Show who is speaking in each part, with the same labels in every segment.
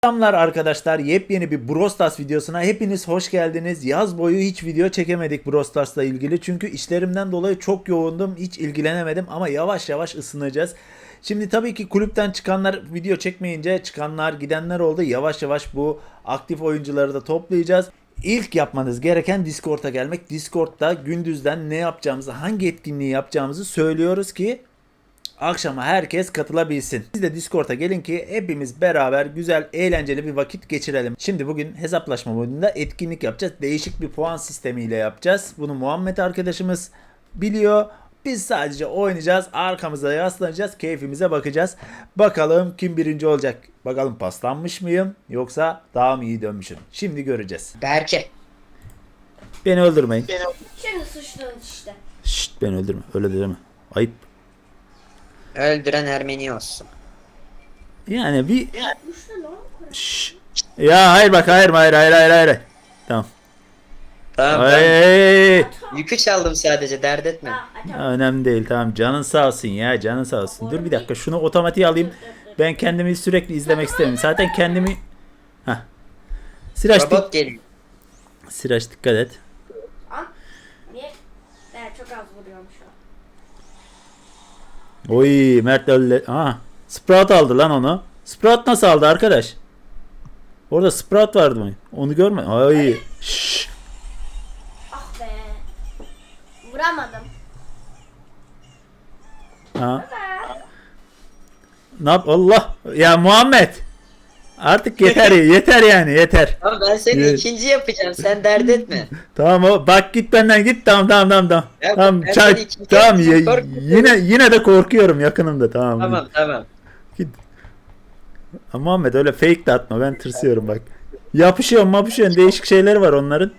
Speaker 1: Selamlar arkadaşlar. Yepyeni bir Brawl Stars videosuna hepiniz hoş geldiniz. Yaz boyu hiç video çekemedik Brawl Stars'la ilgili. Çünkü işlerimden dolayı çok yoğundum. Hiç ilgilenemedim ama yavaş yavaş ısınacağız. Şimdi tabii ki kulüpten çıkanlar video çekmeyince çıkanlar gidenler oldu. Yavaş yavaş bu aktif oyuncuları da toplayacağız. İlk yapmanız gereken Discord'a gelmek. Discord'da gündüzden ne yapacağımızı, hangi etkinliği yapacağımızı söylüyoruz ki akşama herkes katılabilsin. Siz de Discord'a gelin ki hepimiz beraber güzel, eğlenceli bir vakit geçirelim. Şimdi bugün hesaplaşma modunda etkinlik yapacağız. Değişik bir puan sistemiyle yapacağız. Bunu Muhammed arkadaşımız biliyor. Biz sadece oynayacağız, arkamıza yaslanacağız, keyfimize bakacağız. Bakalım kim birinci olacak? Bakalım paslanmış mıyım yoksa daha mı iyi dönmüşüm? Şimdi göreceğiz.
Speaker 2: Berke.
Speaker 1: Beni öldürmeyin.
Speaker 3: Şimdi suçlanın işte.
Speaker 1: Şşt, beni öldürme. Öyle deme. Ayıp.
Speaker 2: Öldüren Ermeni olsun.
Speaker 1: Yani bir...
Speaker 3: Suçlu lan.
Speaker 1: Şşş. Ya hayır bak, hayır. Tamam.
Speaker 2: Tamam ben
Speaker 1: Ay.
Speaker 2: yükü çaldım sadece, dert etme.
Speaker 1: Önemli değil, tamam, canın sağ olsun ya, canın sağ olsun. Dur bir dakika, şunu otomatiğe alayım. Ben kendimi sürekli izlemek istemiyorum. Zaten kendimi... Heh.
Speaker 2: Robot geliyor.
Speaker 1: Siraç dikkat et.
Speaker 3: Niye? Evet, çok az vuruyorum şu an.
Speaker 1: Oy, Mert öyle... Aha. Sprout aldı lan onu. Sprout nasıl aldı arkadaş? Orada Sprout vardı mı? Onu görme. Ay. Şşş.
Speaker 3: Ah be. Vuramadım.
Speaker 1: Ha. Ne yap? Allah. Ya Muhammed. Artık yeter yeter yani yeter.
Speaker 2: Ama ben seni
Speaker 1: Evet.
Speaker 2: ikinci yapacağım, sen dert etme.
Speaker 1: Tamam o, bak git benden git, tamam.
Speaker 2: Ya
Speaker 1: Tamam
Speaker 2: ben
Speaker 1: çay,
Speaker 2: seni ikinci
Speaker 1: tamam
Speaker 2: yapacağım, korkma.
Speaker 1: yine de korkuyorum, yakınımda, tamam.
Speaker 2: Tamam.
Speaker 1: Git. Ama Muhammed öyle fake de atma, ben tırsıyorum bak. Yapışıyorsun değişik şeyleri var onların.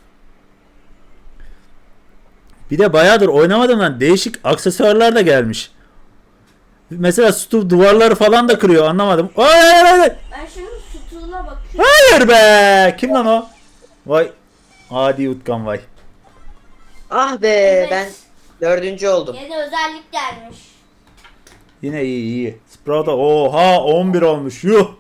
Speaker 1: Bir de bayağıdır oynamadım lan, değişik aksesuarlar da gelmiş. Mesela Stu duvarları falan da kırıyor, anlamadım. Hayır.
Speaker 3: Ben şimdi sütuna bakıyorum.
Speaker 1: Hayır be! Kim lan o? Vay. Adi Utkan vay.
Speaker 2: Ah be,
Speaker 3: Evet.
Speaker 2: ben dördüncü oldum.
Speaker 3: Yeni özellik gelmiş.
Speaker 1: Yine iyi. Sprout'a oha 11 olmuş. Yuh.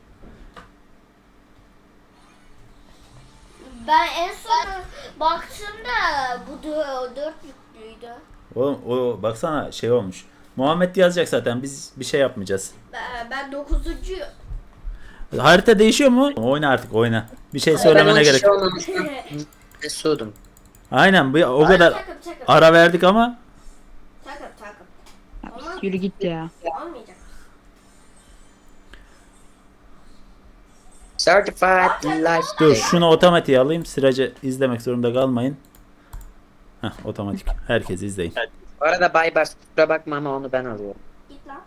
Speaker 3: Ben en son baktığımda bu 4 yüklüydü.
Speaker 1: Oğlum o baksana şey olmuş. Muhammed yazacak zaten, biz bir şey yapmayacağız.
Speaker 3: Ben 9.
Speaker 1: Harita değişiyor mu? Oyna artık, oyna. Bir şey
Speaker 2: Ben
Speaker 1: söylemene
Speaker 2: 10
Speaker 1: gerek
Speaker 2: kişi
Speaker 1: yok.
Speaker 2: olmamıştım. Mesudum.
Speaker 1: Aynen o kadar
Speaker 3: Takım.
Speaker 1: ara verdik ama
Speaker 3: Takım. Olmaz.
Speaker 4: Yürü git ya.
Speaker 3: Olmayacak.
Speaker 2: Certified life.
Speaker 1: dur şunu otomatiğe alayım. Sıracı izlemek zorunda kalmayın. Heh, otomatik. Herkes izleyin.
Speaker 2: Bu arada Baybars, kusura bakma ama onu ben alıyorum.
Speaker 3: Git lan.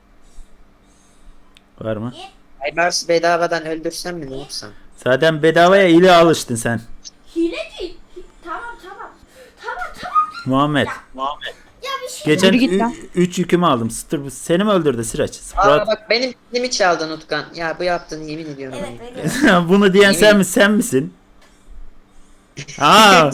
Speaker 1: Var mı?
Speaker 2: Baybars bedavadan öldürsem mi, ne yapsam?
Speaker 1: Zaten bedavaya ile alıştın sen.
Speaker 3: Hileci. Tamam.
Speaker 1: Muhammed.
Speaker 3: Ya bir şey.
Speaker 1: Geçen
Speaker 4: Yürü git lan.
Speaker 1: 3 yükümü aldım. Seni mi öldürdü Sıraç?
Speaker 2: Aa
Speaker 1: Sprout.
Speaker 2: bak, benim kilimi çaldın Utkan. Ya bu yaptığını yemin ediyorum.
Speaker 3: Evet,
Speaker 2: ben.
Speaker 3: veriyorum.
Speaker 1: Bunu diyen sen misin? Aa.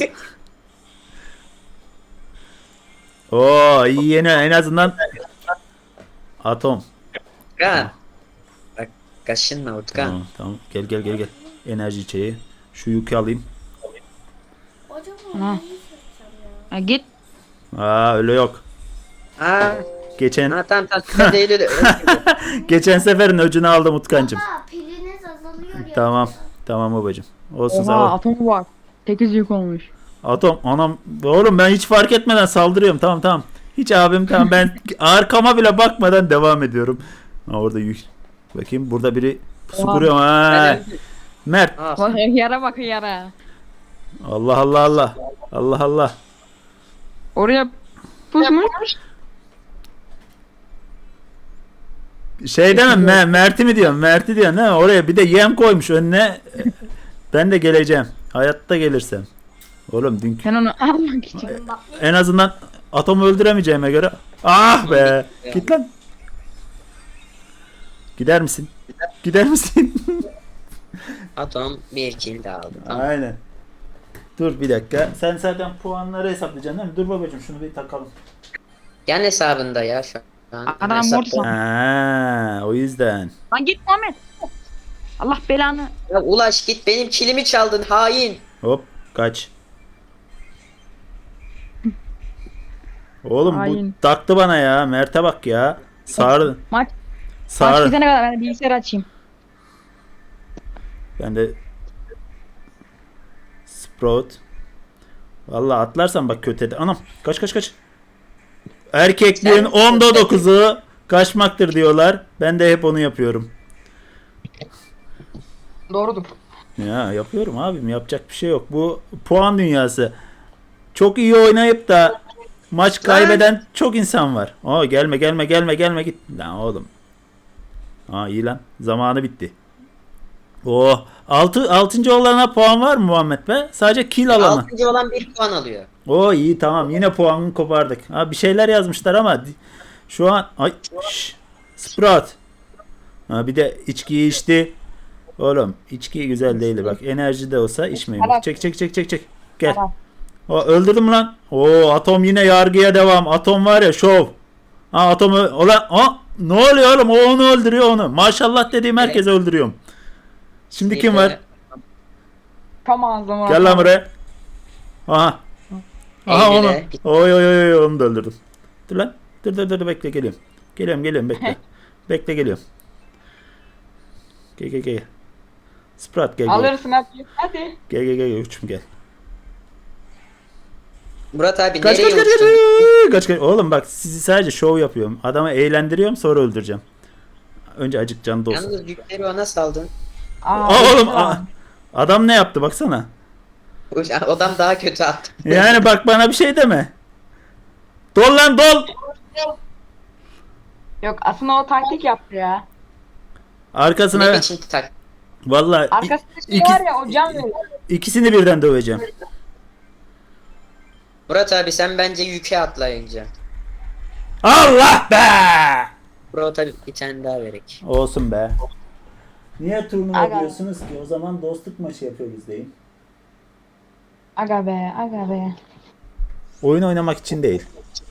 Speaker 1: Oo iyi, yeni en azından atom.
Speaker 2: Utkan. Bak, kaşınma Utkan.
Speaker 1: Tamam. Gel. Enerji içeceği. Şu yükü alayım.
Speaker 3: Acaba
Speaker 4: Ha.
Speaker 3: neyi seçeceğim ya?
Speaker 4: Ha, git.
Speaker 1: Aa öyle yok.
Speaker 2: Aa,
Speaker 1: Geçen
Speaker 2: ha tamam sen değil öyle.
Speaker 1: geçen seferin öcünü aldım Utkancım.
Speaker 3: Baba piliniz azalıyor ya.
Speaker 1: Tamam babacım. Olsun sağ
Speaker 4: Oha
Speaker 1: ol.
Speaker 4: atomu var. 8 yük olmuş.
Speaker 1: Atom anam oğlum, ben hiç fark etmeden saldırıyorum, tamam. Hiç abim, tamam, ben arkama bile bakmadan devam ediyorum. Ha, orada yük. Bakayım burada biri pusu
Speaker 4: Oha.
Speaker 1: kuruyor. Ha. Mert.
Speaker 2: Ah,
Speaker 4: Bak yara bak yara.
Speaker 1: Allah.
Speaker 4: Oraya pusmuş.
Speaker 1: Şey deme, Mert'i mi diyorsun? Mert'i diyorsun değil mi? Oraya bir de yem koymuş önüne. Ben de geleceğim. Hayatta gelirsem. Oğlum dünkü
Speaker 4: Sen onu almak için.
Speaker 3: Bak
Speaker 1: en azından atomu öldüremeyeceğime göre. Ah be. Git lan. Gider misin?
Speaker 2: atom bir kill de aldı. Tamam.
Speaker 1: Aynen. Dur bir dakika. Sen zaten puanları hesaplayacaksın değil mi? Dur babacığım şunu bir takalım.
Speaker 2: Yan hesabında ya şu an.
Speaker 4: Adam
Speaker 2: Hesapta-
Speaker 4: morsa.
Speaker 1: Ha, o yüzden.
Speaker 4: Lan git Muhammed. Allah belanı.
Speaker 2: Ya Ulaş git benim kilimi çaldın hain.
Speaker 1: Hop kaç. Oğlum bu
Speaker 4: Hain.
Speaker 1: taktı bana ya. Mert'e bak ya. Sarı.
Speaker 4: Maç
Speaker 1: Sarı.
Speaker 4: bitene kadar ben de bilgisayar açayım.
Speaker 1: Ben de Sprout. Vallahi atlarsan bak kötü eder. Anam kaç kaç kaç. Erkekliğin
Speaker 2: Sen-
Speaker 1: 10'da 9'u kaçmaktır diyorlar. Ben de hep onu yapıyorum.
Speaker 4: Doğrudur.
Speaker 1: Ya yapıyorum abim, yapacak bir şey yok. Bu puan dünyası. Çok iyi oynayıp da maç kaybeden çok insan var. Oo gelme gelme gelme gelme git. Lan oğlum. Aa iyi lan. Zamanı bitti. Oh 6. olana puan var mı Muhammed be? Sadece kill alanı.
Speaker 2: 6. olan 1 puan alıyor.
Speaker 1: Oo iyi tamam, yine puanını kopardık. Ha bir şeyler yazmışlar ama şu an ay Sprout. Ha bir de içkiyi içti. Oğlum içki güzel değil bak. Enerji de olsa içmeyin. Bak. Çek çek çek çek çek. Gel.
Speaker 4: Tamam.
Speaker 1: O öldürdüm lan. Oo Atom yine yargıya devam. Atom var ya şov. Ha Atom ola ne oluyor oğlum? O onu öldürüyor onu. Maşallah dediğim herkesi öldürüyorum. Şimdi kim var?
Speaker 4: Tam ağzıma.
Speaker 1: Gel lan buraya. Aha. Aha onu.
Speaker 2: Eylül'e.
Speaker 1: Oy oy oy onu da öldürdüm. Dur lan. Dur bekle geliyorum. Geliyorum bekle. Bekle geliyorum. Gel. Sprat gel.
Speaker 4: Alırsın hadi.
Speaker 1: Gel uçum gel.
Speaker 2: Murat abi
Speaker 1: Kaç
Speaker 2: nereye
Speaker 1: kaç kaç
Speaker 2: uçtun?
Speaker 1: kaç kaç. Oğlum bak sizi sadece şov yapıyorum. Adamı eğlendiriyorum sonra öldüreceğim. Önce acık canı dolsun.
Speaker 2: Yalnız yükleri ona saldın.
Speaker 1: Oğlum adam ne yaptı baksana.
Speaker 2: Adam daha kötü attı.
Speaker 1: Yani bak bana bir şey deme. Dol lan dol.
Speaker 4: Yok aslında o taktik yaptı ya.
Speaker 2: Ne
Speaker 1: Arkasına
Speaker 2: biçim tak.
Speaker 1: vallahi
Speaker 4: Arkasında şey
Speaker 1: iki-
Speaker 4: var ya o can veriyor.
Speaker 1: ikisini birden döveceğim.
Speaker 2: Murat abi sen bence yüke atlayınca.
Speaker 1: Allah be!
Speaker 2: Murat abi bir tane daha verek.
Speaker 1: Olsun be. Niye turnuva
Speaker 4: Aga.
Speaker 1: diyorsunuz ki? O zaman dostluk maçı yapıyoruz deyin.
Speaker 4: Aga be.
Speaker 1: Oyun oynamak için değil.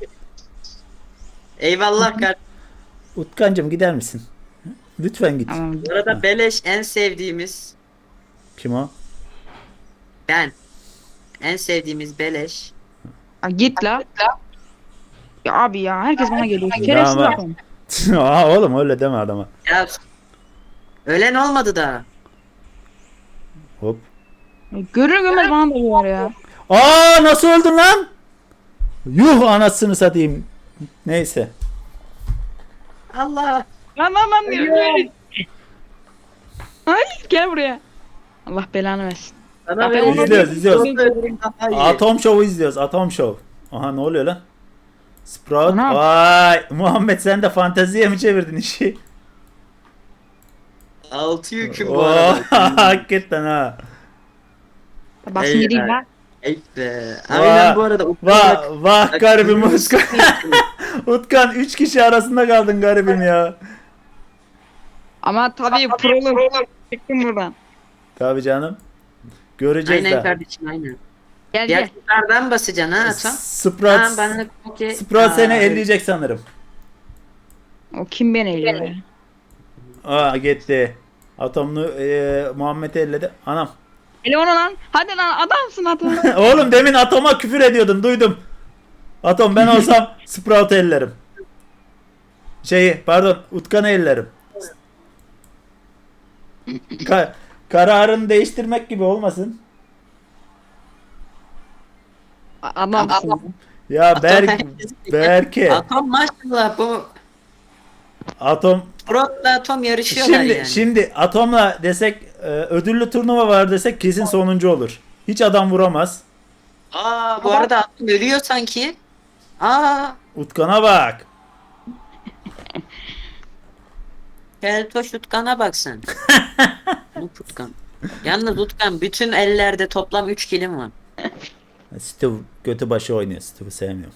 Speaker 2: Eyvallah kardeşim.
Speaker 1: Utkancım gider misin? Lütfen git.
Speaker 4: Tamam.
Speaker 2: Bu arada beleş en sevdiğimiz
Speaker 1: Kim o?
Speaker 2: ben. En sevdiğimiz beleş.
Speaker 4: Ha, git la. Ya abi ya herkes bana geliyor. Şerefsiz
Speaker 1: Tamam.
Speaker 4: adam.
Speaker 1: Aa, oğlum öyle deme adama.
Speaker 2: Ya ölen olmadı da.
Speaker 1: Hop.
Speaker 4: Görür görmez bana dalıyor ya.
Speaker 1: Aa nasıl öldün lan? Yuh anasını satayım. Neyse.
Speaker 2: Allah.
Speaker 4: Lan diyor. Ay gel buraya. Allah belanı versin.
Speaker 2: Bana
Speaker 4: Ben onu-
Speaker 1: İzliyoruz. Atom Show'u izliyoruz. Atom Show. Aha ne oluyor lan? Sprout.
Speaker 4: Anam.
Speaker 1: Vay. Muhammed sen de fanteziye mi çevirdin işi?
Speaker 2: 6 yüküm bu
Speaker 1: Oo,
Speaker 2: arada.
Speaker 1: hakikaten ha.
Speaker 4: Basın
Speaker 2: Ey
Speaker 4: gideyim
Speaker 2: be.
Speaker 4: lan.
Speaker 2: Ey be. Aynen bu arada.
Speaker 1: Vah garibim Utkan. Utkan 3 kişi arasında kaldın garibim ya.
Speaker 4: Ama tabii prolog. Çıktım buradan.
Speaker 1: Tabii canım. Göreceğiz
Speaker 2: Aynen
Speaker 1: de.
Speaker 2: kardeşim aynen.
Speaker 4: Gel
Speaker 2: Diğer
Speaker 4: gel.
Speaker 2: kutulardan basacaksın ha Atom.
Speaker 1: Sprout,
Speaker 2: Ha, bana okey.
Speaker 1: Sprout seni
Speaker 2: Aa,
Speaker 1: elleyecek sanırım.
Speaker 4: O kim beni eliyor ya?
Speaker 1: Aa gitti. Atomlu Muhammed'i elledi. Anam.
Speaker 4: Eli onu lan. Hadi lan adamsın adam.
Speaker 1: Oğlum demin Atom'a küfür ediyordun duydum. Atom ben olsam Sprout'u ellerim. Pardon Utkan'ı ellerim. Kararını değiştirmek gibi olmasın.
Speaker 4: Adamsın.
Speaker 1: Ya Berke.
Speaker 2: Atom maşallah bu.
Speaker 1: Atom
Speaker 2: Prot'la Atom yarışıyorlar yani.
Speaker 1: şimdi Atom'la desek ödüllü turnuva var desek kesin sonuncu olur. Hiç adam vuramaz.
Speaker 2: Aa bu arada Atom ölüyor sanki. Aa
Speaker 1: Utkan'a bak.
Speaker 2: Keltoş Utkan'a baksın. Utkan. Yalnız Utkan bütün ellerde toplam 3 kilim var.
Speaker 1: Steve götü başı oynuyor. Steve'ı sevmiyorum.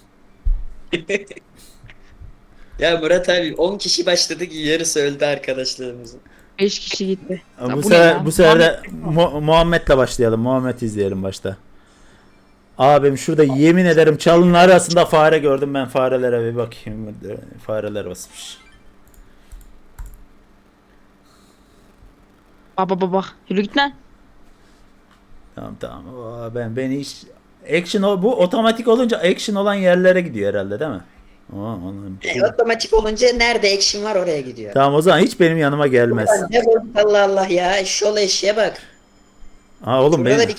Speaker 2: Ya Murat abi 10 kişi başladı ki yarısı öldü arkadaşlarımızın.
Speaker 4: 5 kişi gitti. Ya
Speaker 1: Bu
Speaker 4: bu ne
Speaker 1: sefer
Speaker 4: ya?
Speaker 1: bu sefer de Muhammed'le başlayalım. Muhammed izleyelim başta. Abim şurada yemin ederim çalının arasında fare gördüm, ben farelere bir bakayım. Fareler basmış.
Speaker 4: Bak. Yürü git lan.
Speaker 1: Tamam. Ben hiç bu otomatik olunca action olan yerlere gidiyor herhalde değil mi?
Speaker 2: Otomatik olunca nerede action var oraya gidiyor.
Speaker 1: Tamam o zaman hiç benim yanıma gelmez.
Speaker 2: Ulan ne bozuk Allah Allah ya. Şol eşeğe bak.
Speaker 1: Oğlum
Speaker 2: Şurada
Speaker 1: benim.
Speaker 2: bir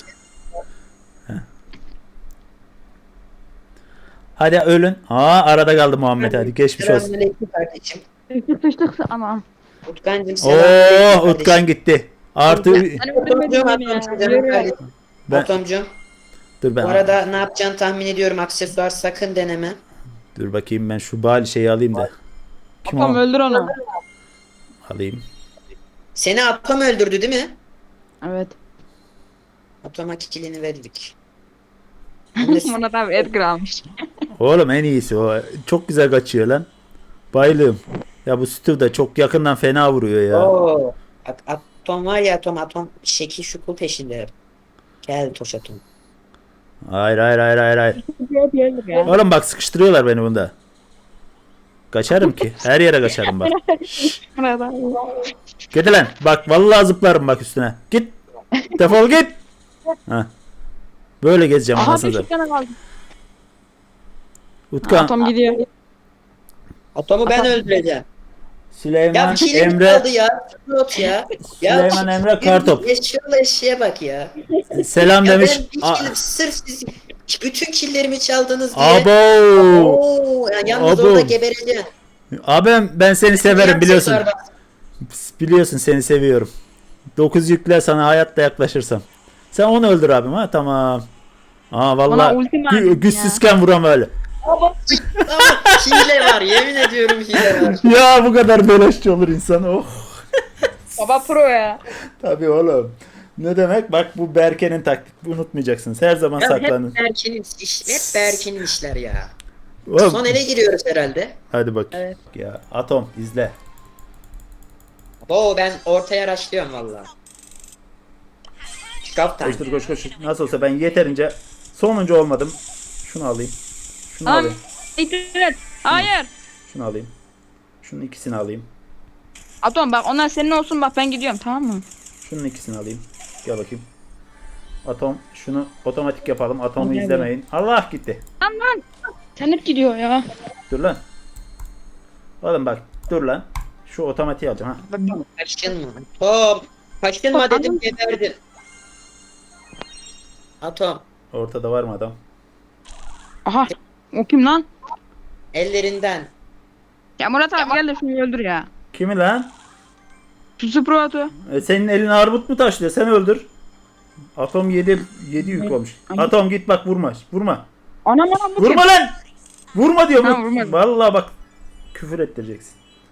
Speaker 1: Hadi ölün. Arada kaldı Muhammed, hadi geçmiş olsun.
Speaker 2: Selamünaleyküm kardeşim.
Speaker 4: Sıçtık anam.
Speaker 2: Utkancım selamünaleyküm kardeşim.
Speaker 1: Utkan gitti. Artı
Speaker 4: Sen öldürmedin beni ya. Yürü.
Speaker 1: Ben-
Speaker 2: Atomcum.
Speaker 1: dur
Speaker 2: Bu arada ne yapacağını tahmin ediyorum. Aksesuar sakın deneme.
Speaker 1: dur bakayım, ben şu bal şeyi alayım da. Kim
Speaker 4: Atom
Speaker 1: o?
Speaker 4: öldür onu.
Speaker 1: Alayım.
Speaker 2: Seni Atom öldürdü değil mi?
Speaker 4: Evet.
Speaker 2: Atom'a kikilini verdik.
Speaker 4: Murat abi Edgar almış.
Speaker 1: Oğlum en iyisi o. Çok güzel kaçıyor lan. Bayılıyorum. Ya bu Steve da çok yakından fena vuruyor ya.
Speaker 2: Oo. Atom var ya Atom şekil şukul peşinde. Gel Toş Atom.
Speaker 1: Hayır.
Speaker 4: Ya.
Speaker 1: Oğlum bak, sıkıştırıyorlar beni bunda. Kaçarım ki. Her yere kaçarım bak.
Speaker 4: Murat abi.
Speaker 1: Git lan. Bak vallahi zıplarım bak üstüne. Git. Defol git. Heh. Böyle gezeceğim
Speaker 4: Aha
Speaker 1: anasını
Speaker 4: bir
Speaker 1: satayım.
Speaker 4: tane kaldı.
Speaker 1: Utkan,
Speaker 4: Atom gidiyor.
Speaker 2: Atom'u ben öldüreceğim. Ya
Speaker 1: Süleyman,
Speaker 2: bir kilim
Speaker 1: Emre,
Speaker 2: kaldı ya. Not ya.
Speaker 1: Süleyman, Emre, Kartop.
Speaker 2: Şol eşeğe bak ya.
Speaker 1: Selam
Speaker 2: Ya
Speaker 1: demiş.
Speaker 2: ben bir kilim sırf siz bütün killerimi çaldınız diye.
Speaker 1: Abo.
Speaker 2: Oo, ya yalnız
Speaker 1: Abo.
Speaker 2: orada gebereceksin.
Speaker 1: Abim ben seni severim
Speaker 2: Bir
Speaker 1: biliyorsun.
Speaker 2: aksesuar bak.
Speaker 1: Biliyorsun seni seviyorum. 9 yükle sana hayatta yaklaşırsam. Sen onu öldür abim, ha tamam.
Speaker 4: Bana
Speaker 1: Vallahi
Speaker 4: ulti verdin ya.
Speaker 1: güçsüzken vuram öyle.
Speaker 2: Ama hile var yemin ediyorum hile var.
Speaker 1: Ya bu kadar beleşçi olur insan. Oh.
Speaker 4: Baba pro ya.
Speaker 1: Tabii oğlum. Ne demek? Bak bu Berke'nin taktik. Unutmayacaksınız. Her zaman
Speaker 2: Ya
Speaker 1: saklanın.
Speaker 2: hep Berkin'in işler ya.
Speaker 1: Oğlum,
Speaker 2: Son ele giriyoruz herhalde.
Speaker 1: hadi bak.
Speaker 4: Evet.
Speaker 1: Ya Atom izle.
Speaker 2: Oo ben ortaya araştırıyorum valla. Kaptan.
Speaker 1: Koş. Nasıl olsa ben yeterince sonuncu olmadım. Şunu alayım. Şunu
Speaker 4: Tamam.
Speaker 1: alayım.
Speaker 4: İtiraz. Hayır.
Speaker 1: Şunu alayım. Şunun ikisini alayım.
Speaker 4: Atom bak onlar senin olsun bak ben gidiyorum tamam mı?
Speaker 1: Şunun ikisini alayım. Gel bakayım. Atom şunu otomatik yapalım. Atomu
Speaker 4: Gel,
Speaker 1: izlemeyin. Allah gitti.
Speaker 4: Lan. Sen hep gidiyor ya.
Speaker 1: Dur lan. Oğlum bak dur lan. Şu otomatiği alacağım ha.
Speaker 2: Kaçınma. Top. Kaçınma
Speaker 4: Top,
Speaker 2: dedim
Speaker 4: adam-
Speaker 2: geberdin. Atom.
Speaker 1: Ortada var mı adam?
Speaker 4: Aha. O kim lan?
Speaker 2: Ellerinden.
Speaker 4: Ya Murat abi gel de şunu öldür ya.
Speaker 1: Kimi lan?
Speaker 4: Şu Sprout'u.
Speaker 1: Senin elin armut mu taşlıyor? Sen öldür. Atom 7 yük olmuş. Atom git bak, vurma. Vurma.
Speaker 4: Anam bu
Speaker 1: Vurma
Speaker 4: kim?
Speaker 1: lan. Vurma diyorum.
Speaker 4: Ha, vurmadım.
Speaker 1: Vallahi bak küfür ettireceksin.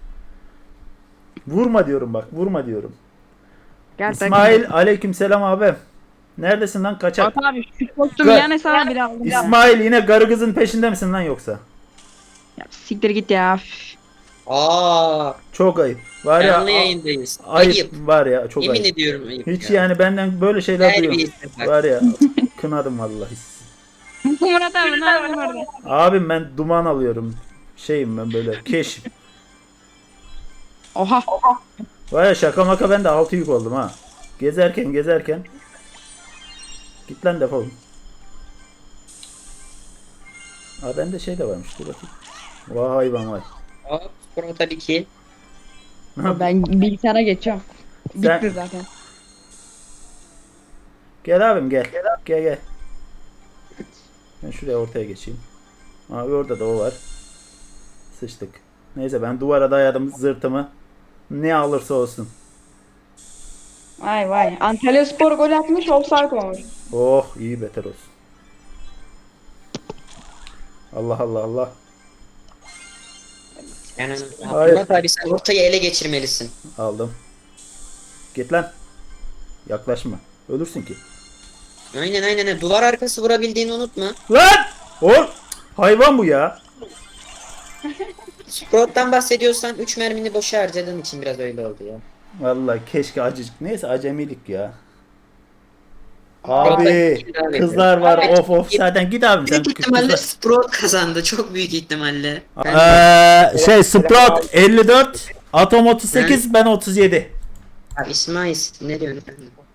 Speaker 1: Vurma diyorum bak. Vurma diyorum.
Speaker 4: Gel
Speaker 1: İsmail aleykümselam abi. Neredesin lan kaçak?
Speaker 4: Murat abi şu kostümü
Speaker 1: Gel.
Speaker 4: yan hesaba bile aldım. Ya.
Speaker 1: İsmail yine karı kızın peşinde misin lan yoksa?
Speaker 4: Ya siktir git ya.
Speaker 2: Aa.
Speaker 1: Çok ayıp. Var ya
Speaker 2: Canlı yayındayız.
Speaker 1: ayıp
Speaker 2: Ayıp.
Speaker 1: var ya, çok
Speaker 2: Yemin
Speaker 1: ayıp.
Speaker 2: ediyorum ayıp
Speaker 1: Hiç
Speaker 2: ya.
Speaker 1: yani benden böyle şeyler duyuyorum.
Speaker 2: Terbiyesiz bak.
Speaker 1: Var ya kınadım vallahi.
Speaker 4: Murat abi ne yapıyorsun orada?
Speaker 1: Abim ben duman alıyorum. Şeyim ben böyle keşif.
Speaker 4: Oha.
Speaker 1: Var ya şaka maka ben de 6 yük oldum ha. Gezerken. Git lan defol. Aa bende şey de varmış, dur bakayım. Vay hayvan vay.
Speaker 2: Hop. Sprota bir kill.
Speaker 4: Ben bilgisayara geçiyorum.
Speaker 1: Sen-
Speaker 4: Bitti zaten.
Speaker 1: Gel abim gel. Gel. Ben şuraya ortaya geçeyim. Abi orada da o var. Sıçtık. Neyse ben duvara dayadım zırtımı. Ne alırsa olsun.
Speaker 4: Vay. Antalya Spor gol atmış offside olmuş.
Speaker 1: Oh iyi, beter olsun. Allah.
Speaker 2: Yani
Speaker 1: Hayır.
Speaker 2: Murat abi sen ortayı ele geçirmelisin.
Speaker 1: Aldım. Git lan. Yaklaşma. Ölürsün ki.
Speaker 2: Aynen. Duvar arkası vurabildiğini unutma.
Speaker 1: Lan! Oğlum! Hayvan bu ya.
Speaker 2: Sprout'tan bahsediyorsan 3 mermini boşa harcadığın için biraz öyle oldu ya.
Speaker 1: Vallahi keşke acıcık. Neyse acemilik ya.
Speaker 2: Abi,
Speaker 1: Abi kızlar var
Speaker 2: Abi,
Speaker 1: of zaten git abim sen.
Speaker 2: Büyük ihtimalle Sprout kazandı. Çok büyük ihtimalle.
Speaker 1: Sprout 54, Atom 38, ben 37.
Speaker 2: Ya İsmail ne diyorsun?